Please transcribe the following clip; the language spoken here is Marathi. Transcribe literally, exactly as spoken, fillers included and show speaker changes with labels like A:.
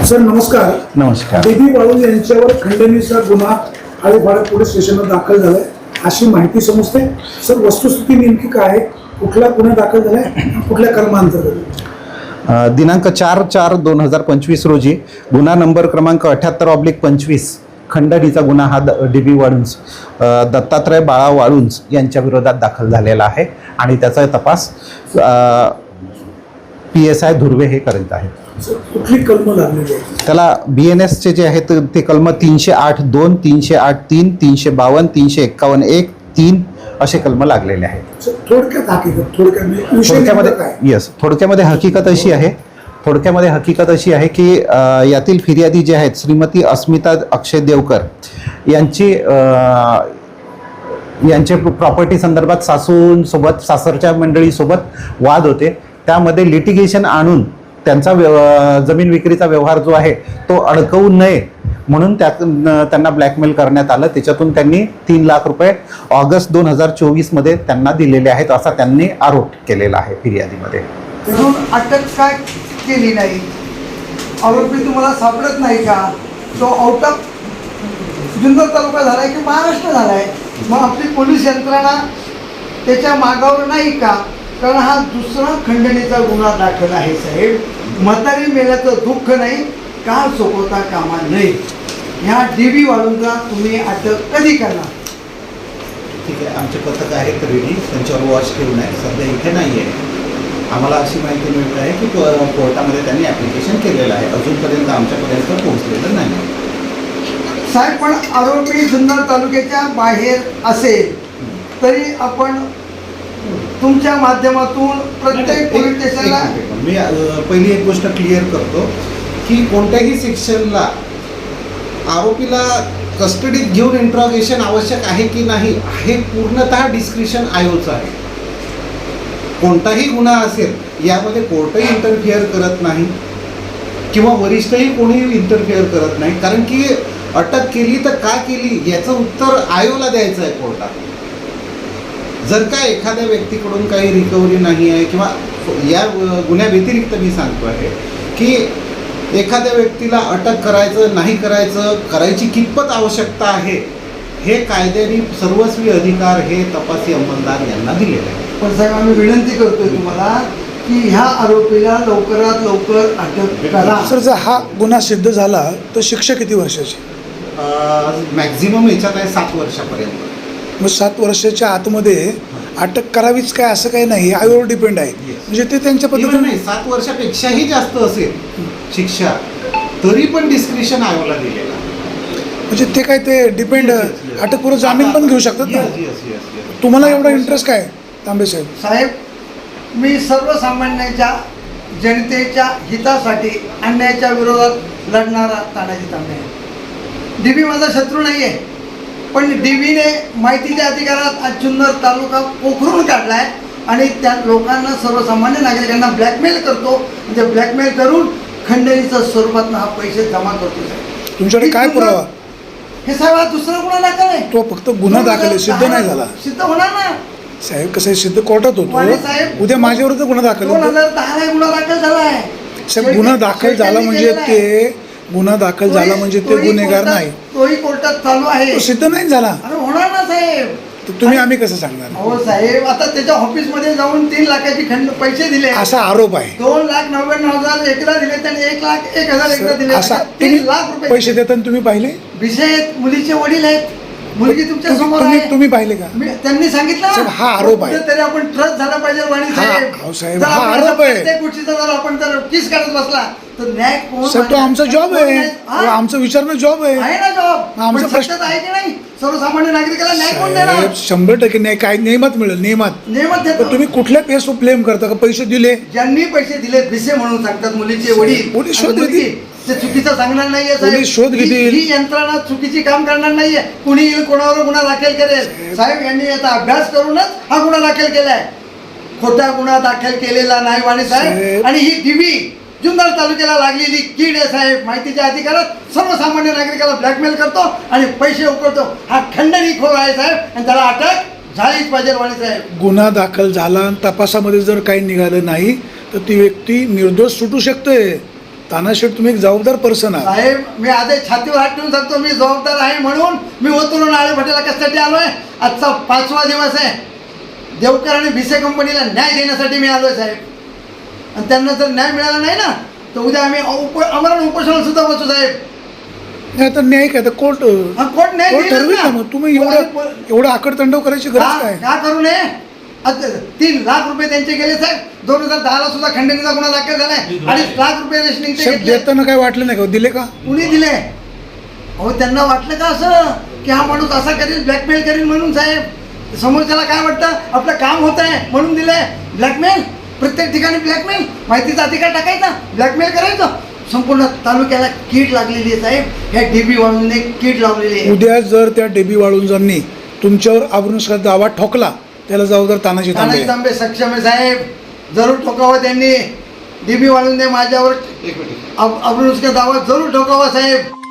A: सर नमस्कार.
B: नमस्कार.
A: डीबी वाळू यांच्यावर खंडणीचा गुन्हा आळेफाटा पोलीस स्टेशनला दाखल झालाय अशी माहिती समजते. सर वस्तुस्थिती नेमकी काय आहे, कुठला गुन्हा दाखल झालाय, कुठल्या कलमांतर्गत?
B: दिनांक चार चार दोन हजार पंचवीस रोजी गुन्हा नंबर क्रमांक अठ्याहत्तर ऑब्लिक पंचवीस खंडणीचा गुन्हा हा द डी बी वाळुंज दत्तात्रय बाळा वाळुंज यांच्या विरोधात दाखल झालेला आहे आणि त्याचा तपास पी एस आय धुर्वे हे करीत आहेत.
A: कुठली कलम लागलेली आहे
B: त्याला बी एन एसचे जे आहेत ते कलम तीनशे आठ दोन तीनशे आठ तीन तीनशे बावन्न तीनशे एक्कावन्न एक तीन असे कलम लागलेले आहेत.
A: थोडक्यात हकीकत थोडक्यात
B: थोडक्यामध्ये
A: काय
B: येस थोडक्यामध्ये हकीकत अशी आहे थोडक्यामध्ये हकीकत अशी आहे की यातील फिर्यादी जे आहेत श्रीमती अस्मिता अक्षय देवकर यांची यांचे प्रॉपर्टी संदर्भात सासूंसोबत सासरच्या मंडळीसोबत वाद होते. त्यामध्ये लिटिगेशन आणून त्यांचा व्यव जमीन विक्रीचा व्यवहार जो आहे तो अडकवू नये म्हणून त्या त्यांना ब्लॅकमेल करण्यात आलं. त्याच्यातून त्यांनी तीन लाख रुपये ऑगस्ट दोन हजार चोवीसमध्ये त्यांना दिलेले आहेत असा त्यांनी आरोप केलेला आहे फिर्यादीमध्ये.
C: म्हणून अटक काय केली नाही, आरोपी तुम्हाला सापडत नाही का? तो आउट ऑफ जुन्नर तालुका झालाय की महाराष्ट्र झालाय, मग आपली पोलीस यंत्रणा त्याच्या मागावर नाही का? कारण हा दुसरा खंडणीचा गुन्हा दाखल आहे साहेब. म्हातारी मेल्याचं दुःख नाही, काळ सोपवता कामा नये. ह्या डी बी वाळूंचा तुम्ही अटक कधी करणार?
B: ठीक आहे, आमचे पथक आहेत रेडी, त्यांच्यावर वॉच ठेवून आहे, सध्या इथे नाही आहे. आम्हाला अशी माहिती मिळत आहे की कोर्टामध्ये त्यांनी ॲप्लिकेशन केलेलं आहे, अजूनपर्यंत आमच्यापर्यंत पोहोचलेलं नाही.
C: साहेब पण आरोपी जुन्नर तालुक्याच्या बाहेर असेल तरी आपण तुमच्या माध्यमातून प्रत्येक पोलीस स्टेशनला
B: मी पहिली एक गोष्ट क्लिअर करतो की कोणत्याही सेक्शनला आरोपीला कस्टडीत घेऊन इंट्रॉगेशन आवश्यक आहे की नाही हे पूर्णतः डिस्क्रिशन आयोचं आहे. कोणताही गुन्हा असेल यामध्ये कोर्टही इंटरफिअर करत नाही किंवा वरिष्ठही कोणीही इंटरफिअर करत नाही, कारण की अटक केली तर का केली याचं उत्तर आयोला द्यायचं आहे कोर्टात. जर का एखाद्या व्यक्तीकडून काही रिकव्हरी नाही आहे किंवा या गुन्ह्या व्यतिरिक्त मी सांगतो आहे की एखाद्या व्यक्तीला अटक करायचं नाही करायचं करायची कितपत आवश्यकता आहे हे कायद्याने सर्वस्वी अधिकार हे तपासी अंमलदार यांना दिलेले आहे.
C: पण साहेब आम्ही विनंती करतोय तुम्हाला की ह्या आरोपीला लवकरात लवकर अटक करा.
A: सर जर हा गुन्हा सिद्ध झाला तर शिक्षा किती वर्षाची?
B: मॅक्झिमम याच्यात आहे सात वर्षापर्यंत.
A: मग सात वर्षाच्या आतमध्ये अटक करावीच काय असं काही नाही, आयोवर डिपेंड आहे. म्हणजे ते त्यांच्या पद्धतीने
B: नाही, सात वर्षापेक्षाही जास्त असेल शिक्षा तरी पण डिस्क्रिशन आयोला दिलेला.
A: म्हणजे ते काय ते डिपेंड अटकपूर्व जामीन पण घेऊ शकतात ना. तुम्हाला एवढा इंटरेस्ट काय तांबे साहेब?
C: साहेब मी सर्वसामान्यांच्या जनतेच्या हितासाठी अन्यायाच्या विरोधात लढणारा तानाजी तांबे आहे. डी बी माझा शत्रू नाही आहे, पण डी बीने माहितीच्या अधिकारात आज जुन्नर तालुका पोखरून काढला आहे आणि त्या लोकांना सर्वसामान्य नागरिकांना ब्लॅकमेल करतो. म्हणजे ब्लॅकमेल करून खंडणीच्या स्वरूपात हा पैसे जमा करतो. साहेब
A: तुमच्याकडे काय पुरावा?
C: हे साहेब हा दुसरा गुन्हा दाखल आहे.
A: तो फक्त गुन्हा दाखल आहे, सिद्ध नाही झाला.
C: सिद्ध होणार ना
A: साहेब. कसं आहे, सिद्ध कोर्टात होतो. उद्या माझ्यावर तर गुन्हा दाखल
C: दोन
A: होतो.
C: हजार दहाला गुन्हा दाखल झाला आहे
A: साहेब. गुन्हा दाखल झाला म्हणजे ते गुन्हा दाखल झाला म्हणजे ते गुन्हेगार नाही.
C: तोही कोर्टात चालू आहे,
A: सिद्ध नाही झाला.
C: अरे होणार ना साहेब.
A: तर तुम्ही आम्ही कसं सांगणार?
C: हो साहेब, आता त्याच्या ऑफिसमध्ये जाऊन तीन लाखाची खंड पैसे दिले,
A: असा आरोप आहे.
C: दोन लाख नव्याण्णव हजार एकदा दिले त्याने, एक लाख एक हजार एकदा दिले,
A: असा
C: तीन लाख रुपये
A: पैसे देताना तुम्ही पाहिले?
C: विषय आहेत, मुलीचे वडील आहेत, मुलगी तुमच्या समोर
A: तुम्ही
C: आहे.
A: तुम्ही पाहिले का?
C: मी- त्यांनी सांगितलं
A: साहेब, हा आरोप आहे.
C: तरी आपण ट्रस्ट झाला पाहिजे वाणी
A: हा,
C: साहेब.
A: अहो साहेब,
C: जर
A: हा
C: आपण
A: आरोप आहे.
C: प्रत्येक गोष्टीचा जर आपण जर किस करत बसला तर न्याय कोण
A: साहेब तो आमचा जॉब आहे.
C: हा?
A: तो आमचं विचारणं जॉब आहे.
C: आहे ना जॉब.
A: आमचा
C: पण
A: प्रश्न-
C: सत्यात आहे की नाही? सर्वसामान्य नागरिकाला न्याय कोण देणार?
A: साहेब शंभर टक्के नाही. काय नियमात मिळेल, नियमात.
C: नियमात
A: तर
C: देतो.
A: तुम्ही कुठल्या पेस ब्लेम करता का पैसे दिले?
C: ज्यांनी पैसे दिले भिसे म्हणून सांगतात मुलीचे वडील.
A: पोलीस
C: आणि
A: शोध
C: मुलगी
A: घेतील.
C: ते चुकीचं सांगणार नाहीये
A: पोलीस शोध
C: साहेब. ही
A: घेतील.
C: ही यंत्रणा चुकीची काम करणार नाहीये. कुणी येईल कोणावर गुन्हा दाखल करेल. साहेब यांनी याचा अभ्यास करूनच हा गुन्हा दाखल केलाय. खोटा गुन्हा दाखल केलेला नाही वाणी साहेब.
A: साहेब.
C: आणि ही टीव्ही जुन्नर तालुक्याला लागलेली कीड आहे साहेब. माहितीच्या अधिकारात सर्वसामान्य नागरिकाला ब्लॅकमेल करतो आणि पैसे उकळतो. हा खंडणीखोर आहे साहेब आणि त्याला अटक झालीच पाहिजे वाणी साहेब.
A: गुन्हा दाखल झाला आणि तपासामध्ये जर काही निघालं नाही तर ती व्यक्ती निर्दोष सुटू शकते. तानाशेठ तुम्ही एक जबाबदार पर्सन आहात.
C: साहेब मी आधी छातीवर हात ठेवून सांगतो मी जबाबदार आहे म्हणून मी ओतून नाळे फाट्याला कशासाठी आलोय. आजचा पाचवा दिवस आहे. देवकर आणि भिसे कंपनीला न्याय देण्यासाठी मी आलोय साहेब. आणि त्यांना जर न्याय मिळाला नाही ना तर उद्या आम्ही उप आमरण उपोषणाला सुद्धा बसू साहेब.
A: नाही आता न्याय काय तर कोर्ट
C: हा, कोर्ट न्याय
A: कोर्ट
C: देईलच
A: ठरवेल
C: ना.
A: ना. मग तुम्ही एवढं एवढं आकडतांडव करायची गरज
C: का
A: काय?
C: का करू नये. आता तीन लाख रुपये त्यांचे गेले साहेब. दोन हजार दहाला सुद्धा खंडणीचा गुन्हा दाखल झालाय. अडीच लाख रुपये रेशनिंगचे
A: साहेब
C: घेतले.
A: देताना काय वाटलं नाही का? दिले का?
C: कुणी दिले? अहो त्यांना वाटलं का असं की हा माणूस असा करेल ब्लॅकमेल करेल म्हणून साहेब. समोरच्याला काय वाटतं आपलं काम होत आहे म्हणून दिलंय. ब्लॅकमेल प्रत्येक ठिकाणी ब्लॅकमेल. माहितीचा अधिकार टाकायचा ब्लॅकमेल करायचं. संपूर्ण तालुक्याला कीड लागलेली आहे साहेब. ह्या डीबी वाळूंने कीड लावलेली आहे.
A: उद्या जर त्या डेबी वाळुंजांनी तुमच्यावर आबरूनुसार दावा ठोकला त्याला जबाबदार तानाजी तांबे.
C: तानाजी तांबे सक्षम आहे साहेब. जरूर ठोकावं त्यांनी. डीबी वाळूंने माझ्यावर
B: एक मिनिट
C: अब्रुनुस्का दावा जरूर ठोकावा साहेब.